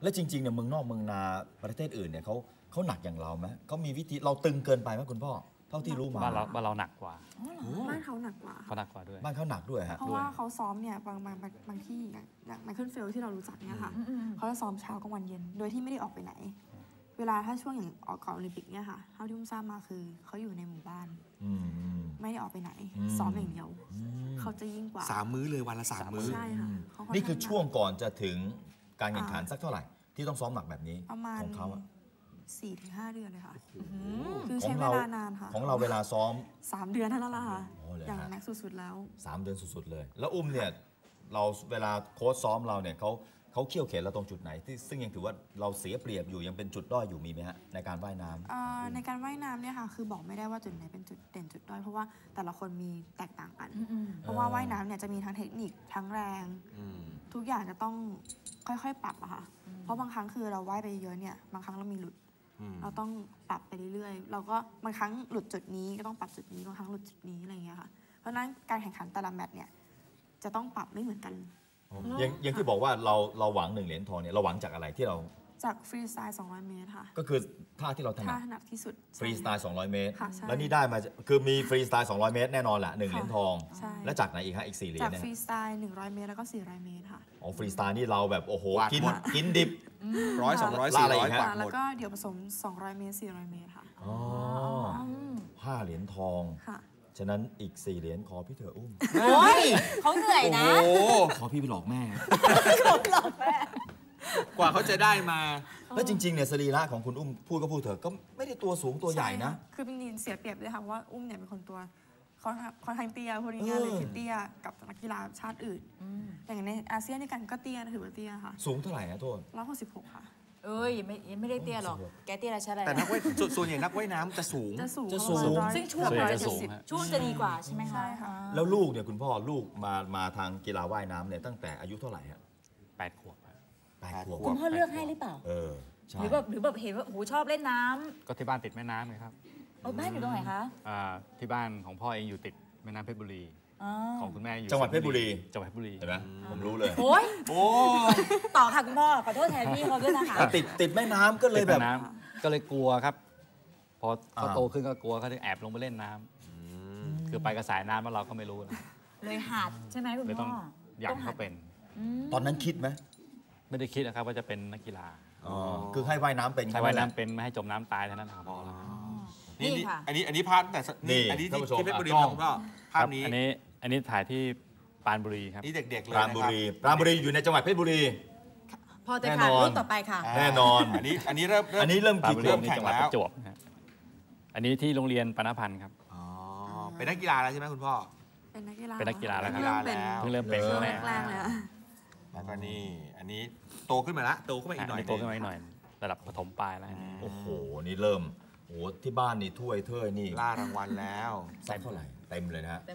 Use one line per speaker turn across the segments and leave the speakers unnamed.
แล้วจริงๆเนี่ยเมืองนอกเมืองนาประเทศอื่นเนี่ยเขาหนักอย่างเราไหมเขามีวิธีเราตึงเกินไปไหมคุณพ่อเท่าที่รู้มา
บ้านเราหนักกว่า
บ้านเขาหนักกว่า
เขาหนักกว่าด้วย
บ้านเขาหนักด้วยฮะ
เพราะว่าเขาซ้อมเนี่ยบางที่อย่างไมเคิลเฟลที่เรารู้จักเนี่ยค่ะเขาจะซ้อมเช้ากลางวันเย็นโดยที่ไม่ได้ออกไปไหนเวลาถ้าช่วงอย่างออกก่อนโอลิมปิกเนี่ยค่ะเท่าที่อุ้มทราบมาคือเขาอยู่ในหมู่บ้านไม่ได้ออกไปไหนซ้อมอย่างเดียวเขาจะยิ่งกว่า
3 มื้อเลยวันละ3 มื้อ
ใช่ค่ะ
นี่คือช่วงก่อนจะถึงการแข่งขันสักเท่าไหร่ที่ต้องซ้อมหนักแบบนี้
ประมาณ
ของเขา
4-5 เดือนเลยค่ะคือใช้เวลานานค่ะ
ของเราเวลาซ้อม
3 เดือนเท่านั้นแหละค่ะอย่างแม็กสุดๆแล้ว
3 เดือนสุดๆเลยแล้วอุ้มเนี่ยเราเวลาโค้ชซ้อมเราเนี่ยเขาเขี่ยวเข็นเราตรงจุดไหนที่ซึ่งยังถือว่าเราเสียเปรียบอยู่ยังเป็นจุดด้อยอยู่มีไหมฮะในการว่ายน้
ำในการว่ายน้ำเนี่ยค่ะคือบอกไม่ได้ว่าจุดไหนเป็นจุดเด่นจุดด้อยเพราะว่าแต่ละคนมีแตกต่างกันเพราะว่าว่ายน้ำเนี่ยจะมีทั้งเทคนิคทั้งแรงทุกอย่างจะต้องค่อยๆปรับอะค่ะเพราะบางครั้งคือเราว่ายไปเยอะเนี่ยบางครั้งเรามีหลุดเราต้องปรับไปเรื่อยๆเราก็บางครั้งหลุดจุดนี้ก็ต้องปรับจุดนี้บางครั้งหลุดจุดนี้อะไรอย่างเงี้ยค่ะเพราะฉะนั้นการแข่งขันแต่ละแมตช์เนี่ยจะต้องปรับไม่เหมือนกัน
อย่างที่บอกว่าเราหวัง1 เหรียญทองเนี่ยเราหวังจากอะไรที่เรา
จากฟรีสไตล์200 เมตรค่ะ
ก็คือท่าที่เราถนัด
ท่าถนัดที่สุด
ฟรีสไตล์200 เมตร
แล้
วนี่ได้มาคือมีฟรีสไตล์200 เมตรแน่นอนแหละ1 เหรียญทองและจากไหนอีกฮะอีก4 เหรียญ
จากฟรีสไตล์100 เมตรแล้วก็400 เมตรค่ะ
อ๋อฟรีสไตล์นี่เราแบบโอ้โหกินดิบ
100 200 400 กว่า
แล้วก็เดี๋ยวผสม200 เมตร400 เมตรค่ะ
อ๋อ5 เหรียญทองฉะนั้นอีก4 เหรียญขอพี่เถอะอุ้ม
โอ้ยเขาเหนื่อยนะ
ขอพี่ไปหลอกแม่
หลอกแม่
กว่าเขาจะได้มา
แล้วจริงๆเนี่ยสรีระของคุณอุ้มพูดก็พูดเถอะก็ไม่ได้ตัวสูงตัวใหญ่นะ
คือเป็นนินเสียเปรียบเลยค่ะว่าอุ้มเนี่ยเป็นคนตัวค่อนข้างเตี้ยพูดง่ายๆเลยคือเตี้ยกับนักกีฬาชาติอื่นอย่างในอาเซียนด้วยกันก็เตี้ยถือว่าเตี้ยค่ะ
สูงเท่าไหร่นะโทษ
166ค่ะ
เอ้ยไม่ได้เตี้ยหรอกแกเตี้ยอะไรใช่ไหม
แต่นักว่ายส่วนใหญ่นักว่ายน้ำจะสูง
ซึ่งช่วงจะดีกว่าใช่ไหมคะ
แล้วลูกเนี่ยคุณพ่อลูกมาทางกีฬาว่ายน้ำเนี่ยตั้งแต่อายุเท่าไหร่ฮะ
8 ขวบ
8 ขวบ
คุณพ่อเลือกให้หรือเปล่าหรือแบบเห็นว่าโหชอบเล่นน้
ำก็ที่บ้านติดแม่น้ำไงครับ
บ้านอยู่ตรงไหนคะ
ที่บ้านของพ่อเองอยู่ติดแม่น้ำเพชรบุรีของคุณแม่อยู่
จังหวัดเพชรบุรี
เห็นไหม
ผมรู้เลย
โอ้ยต่อค่ะคุณพ่อขอโทษแทนพี่เขาด้วยนะคะ
ติดแม่น้ำก็เลยแบบ
ก็เลยกลัวครับพอเขาโตขึ้นก็กลัวเขาจะแอบลงไปเล่นน้ำคือไปกระสายน้ำแล้วเราก็ไม่รู้
เลยหัดใช่ไหมคุณพ่อ
อยากเขาเป็น
ตอนนั้นคิดไหม
ไม่ได้คิดนะครับว่าจะเป็นนักกีฬา
คือให้ว่ายน้ำเป็น
ให้ว่ายน้ำเป็นไม่ให้จมน้ำตายเท่านั้นครับพ่อ
นี่อันนี้ภาพแต่นี่อันนี้ที่เพชรบุรีของพ่อภาพนี้
อันนี้ถ่ายที่ปรานบุรีครับ
นี่เด็กๆเลย
ปรานบุรีอยู่ในจังหวัดเพชรบุรี
พอจะค่ะรูปต่อไปค่ะ
แน่นอน
อันนี้เริ่ม
กี่ขวบจังหวัดประจวบอันนี้ที่โรงเรียนปานพันธ์ครับ
เป็นนักกีฬาแล้วใช่ไหมคุณพ่อ
เป็นนักกีฬา
แล้วครับเพิ่งเริ่มเป็น
แรกเลย
แล้วก็นี่อันนี้โตขึ้นมาละโตขึ้นมาอีกหน่อย
โตขึ้นมาอีกหน่อยระดับประถมปลายแล้ว
โอ้โหนี่เริ่มโอ้ที่บ้านนี่ถ้วยเท่นี่
ล่ารางวัลแล้ว
ใส่เท่าไหร่เต็มเลยนะฮะ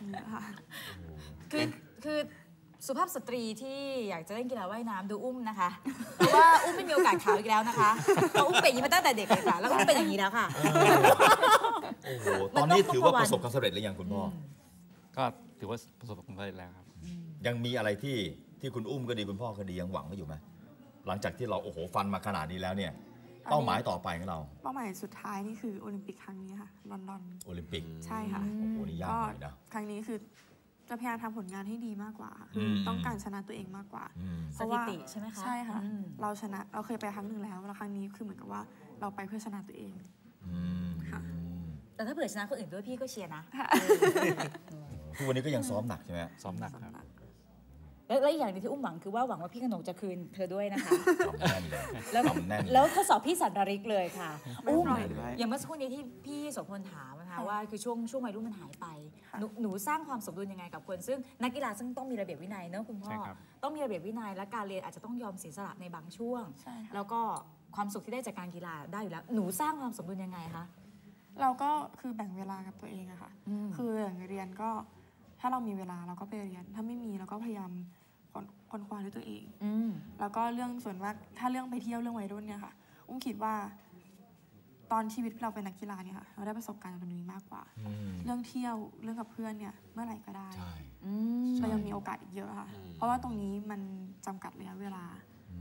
คือสุภาพสตรีที่อยากจะเล่นกีฬาว่ายน้ำดูอุ้มนะคะเพราะว่าอุ้มไม่มีโอกาสขาวอีกแล้วนะคะเพราะอุ้มเป็นอย่างนี้มาตั้งแต่เด็กเลยค่ะแล้วอุ้มเป็นอย่างนี้แล้วค่ะ
โอ้โหตอนนี้ถือว่าประสบความสำเร็จหรือยังคุณพ่อ
ก็ถือว่าประสบความสำเร็จแล้วครับ
ยังมีอะไรที่คุณอุ้มก็ดีคุณพ่อก็ดียังหวังไว้อยู่ไหมหลังจากที่เราโอ้โหฟันมาขนาดนี้แล้วเนี่ยเป้าหมายต่อไปของเรา
เป้าหมายสุดท้ายนี่คือโอลิมปิกครั้งนี้ค่ะลอนดอน
โอลิมปิก
ใช่ค่ะ
โอ้โหนี่ยากหน่อยนะ
ครั้งนี้คือจะพยายามทำผลงานให้ดีมากกว่าต้องการชนะตัวเองมากกว่า
สถิติใช่ไหมคะ
ใช่ค่ะเราเคยไปครั้งหนึ่งแล้วครั้งนี้คือเหมือนกับว่าเราไปเพื่อชนะตัวเอง
ค่ะแต่ถ้าเผื่อชนะคนอื่นด้วยพี่ก็เชียร์นะ
ทุกวันนี้ก็ยังซ้อมหนักใช่ไหม
ซ้อมหนักครับ
และอย่างที่อุ้มหวังคือว่าหวังว่าพี่ขนงจะคืนเธอด้วยนะคะ
แน่นเลย
แล้วข้อสอบพี่สันดาริกเลยค่ะอุ้มอย่างเมื่อสักครู่นี้ที่พี่โสพลถามนะคะว่าคือช่วงวัยรุ่นมันหายไปหนูสร้างความสมดุลยังไงกับคนซึ่งนักกีฬาซึ่งต้องมีระเบียบวินัยเนอะคุณพ่อต้องมีระเบียบวินัยและการเรียนอาจจะต้องยอมเสียสละในบางช่วงแล้วก็ความสุขที่ได้จากการกีฬาได้อยู่แล้วหนูสร้างความสมดุลยังไงคะ
เราก็คือแบ่งเวลากับตัวเองอะค่ะคืออย่างเรียนก็ถ้าเรามีเวลาเราก็ไปเรียนถ้าไม่มีเราก็พยายามค้นคว้าด้วยตัวเองแล้วก็เรื่องส่วนมากถ้าเรื่องไปเที่ยวเรื่องวัยรุ่นเนี่ยค่ะอุ้มคิดว่าตอนชีวิตเราเป็นนักกีฬาเนี่ยค่ะเราได้ประสบการณ์ตรงนี้มากกว่าเรื่องเที่ยวเรื่องกับเพื่อนเนี่ยเมื่อไหร่ก็ได้เรายังมีโอกาสอีกเยอะค่ะเพราะว่าตรงนี้มันจำกัดระยะเวลา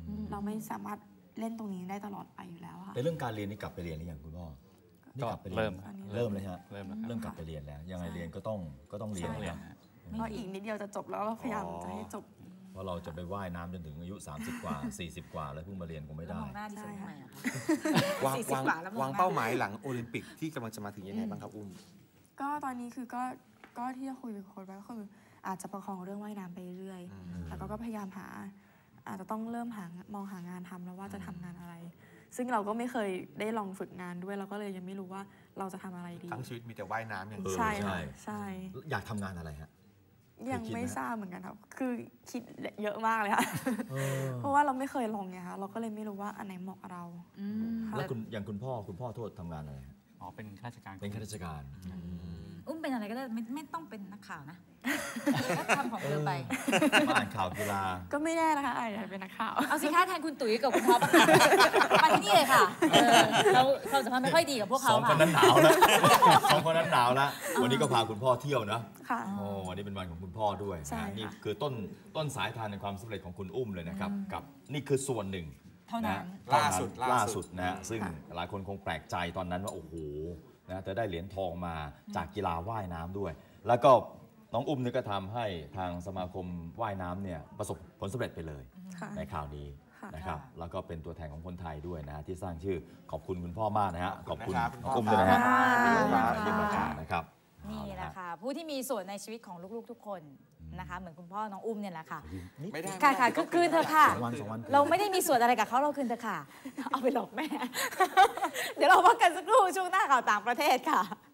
เราไม่สามารถเล่นตรงนี้ได้ตลอดไปอยู่แล้วค่ะ
ในเรื่องการเรียนนี่กลับไปเรียนหรือยังคุณพ่อนี่กลับไปเรียน
เริ่ม
เริ่มเลยฮะ
เริ่มแล้วครับ
เริ่มกลับไปเรียนแล้ว ยังไงเรียนก็ต้องเรียน
ใช่
นะ
เพราะอีกนิดเดียวจะจบแล้วก็พยายามจะให้จบ
เพราะเราจะไปว่ายน้ำจนถึงอายุ 30 กว่า 40 กว่าแล้วเพิ่งมาเรียนคงไม่
แล้ว
ได้
มองหน้าดิฉันทำไมอะคะ
วาง
40
วาง
กว่าแล้วมองหน้า
วางเป้าหมายหลังโอลิมปิกที่กำลังจะมาถึงยังไงบ้างครับอุ้ม
ก็ตอนนี้คือก็ที่จะคุยกับโค้ชไว้ก็คืออาจจะประคองเรื่องว่ายน้ำไปเรื่อยแล้วก็พยายามอาจจะต้องเริ่มมองหางานทำแล้วว่าจะทำงานอะไร ซึ่งเราก็ไม่เคยได้ลองฝึกงานด้วยเราก็เลยยังไม่รู้ว่าเราจะทำอะไรดี
ทั้งชีวิตมีแต่ว่ายน้ำอย่างเดียว
ใช่
ใช่
ค่ะใช่
อยากทำงานอะไรฮะ
ยังไม่
เคยคิดไหม
ทราบเหมือนกันครับคือคิดเยอะมากเลยค่ะเพราะว่าเราไม่เคยลองไงคะเราก็เลยไม่รู้ว่าอันไหนเหมาะกับเรา ค่ะ
แล้วอย่างคุณพ่อโทษทำงานอะไรฮะ
อ๋อเป็นข้าราชการ
เป็นข้าราชการ
อุ้มเป็นอะไรก็ได้ไม่ต้องเป็นนักข่าวนะก็ทำของเธอไป
มาอ่านข่าวกีฬา
ก็ไม่แน่นะคะอาจจะเป็นนักข่าว
เอาสิคะแทนคุณตุ๋ยกับคุณท็อปอะค่ะมาที่นี่เลยค่ะเราความสัมพันธ์ไม่ค่อยดีกับพวก
ส
เขา
องคน
ค่ะ
นั้นหนาวแล้ว สองคนนั้นหนาวแล้ว วันนี้ก็พาคุณพ่อเที่ยวนะ
ค่ะ
โอ้วันนี้เป็นวันของคุณพ่อด้วย
ใช่
นะ
ค่ะ
นี่คือต้นสายทานในความสำเร็จของคุณอุ้มเลยนะครับ กับนี่คือส่วนหนึ่ง
เท่านั้น
ล่าสุดนะฮะซึ่งหลายคนคงแปลกใจตอนนั้นว่าโอ้โหนะเธอได้เหรียญทองมาจากกีฬาว่ายน้ำด้วย แล้วก็น้องอุ้มนี่ก็ทำให้ทางสมาคมว่ายน้ำเนี่ยประสบผลสำเร็จไปเลย
ค่ะ
ในข่าวนี้
ค่ะ
นะครับแล้วก็เป็นตัวแทนของคนไทยด้วยนะฮะที่สร้างชื่อขอบคุณคุณพ่อมากนะฮะขอบคุณ
นะครับ
น้องอุ้มด้วยนะฮะ
ขอบคุณ
ที่
ค่ะ
มาเยี่ยมรายการนะครับ
นี่แหละค่ะ ผู้ที่มีส่วนในชีวิตของลูกๆทุกคนนะคะ เหมือนคุณพ่อน้องอุ้มเนี่ยแหละค่ะ
ไม่ได้
ค่ะคืนเธอะค่ะ
สองวัน
เราไม่ได้มีส่วนอะไรกับเขาเราคืนเธอะค่ะ เอาไปหลอกแม่ เดี๋ยวเราพักกันสักครู่ช่วงหน้าข่าวต่างประเทศค่ะ